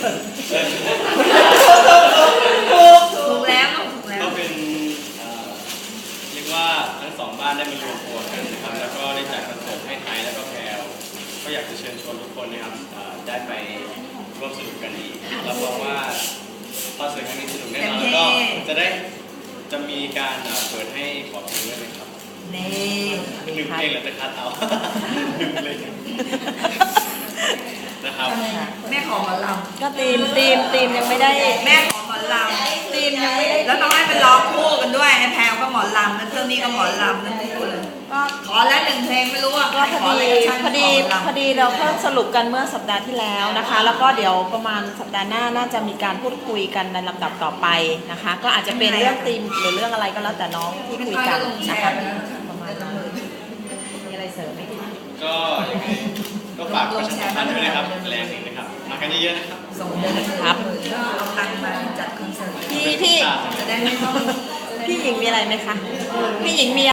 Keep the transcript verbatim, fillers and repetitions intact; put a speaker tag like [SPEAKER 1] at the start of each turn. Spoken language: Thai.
[SPEAKER 1] ถูกแล้วถูกแล้ว
[SPEAKER 2] ก็เป็นเรียกว่าทั้งสองบ้านได้มารวมตัวกันนะครับแล้วก็ได้จัดคอนเสิร์ตให้ไทยแล้วก็แพรวก็อยากจะเชิญชวนทุกคนนะครับได้ไปร่วมสนุกกันอีกรับรองว่าคอนเสิร์ตครั้งนี้สนุกแน่นอนแล้วก็จะได้จะมีการเปิดให้ขอเพลงด้วยนะครับ
[SPEAKER 1] นี่
[SPEAKER 2] หนึ่งเพลงหรือจะคัดเอาหนึ่งเพลงนะครับ
[SPEAKER 1] แม่ขอหมอลำ
[SPEAKER 3] ก็ตีมตีมตีมยังไม่ได้
[SPEAKER 1] แม่ขอหมอลำตีมยังไม่ได้แล้วต้องให้เป็นร้องคู่กันด้วยไอ้แพรวก็หมอลำนั่นเท่านี้ก็หมอลำนั่นคู่เลยก็ขอแล้วหนึ่งเพลงไม่รู้ว่า
[SPEAKER 3] ก็พอดีพอดีพอดีเราเพิ่งสรุปกันเมื่อสัปดาห์ที่แล้วนะคะแล้วก็เดี๋ยวประมาณสัปดาห์หน้าน่าจะมีการพูดคุยกันในลำดับต่อไปนะคะก็อาจจะเป็นเรื่องธีมหรือเรื่องอะไรก็แล้วแต่น้องที่คุยกันนะคะประมาณนั้นมีอะไรเสริมไหม
[SPEAKER 2] ก็ยังไงก็ฝากประชาสัมพันธ์ด้วยนะครับแรงหนึ่งนะครับมากันเยอะๆนะครับ
[SPEAKER 1] ส่งเงินครับเอาตังค์มาจัดคอนเสิร์ต
[SPEAKER 3] พี่พี่
[SPEAKER 1] จะได้ไม่ต้อง
[SPEAKER 3] พี่หญิงมีอะไรไหมคะพี่หญิงมี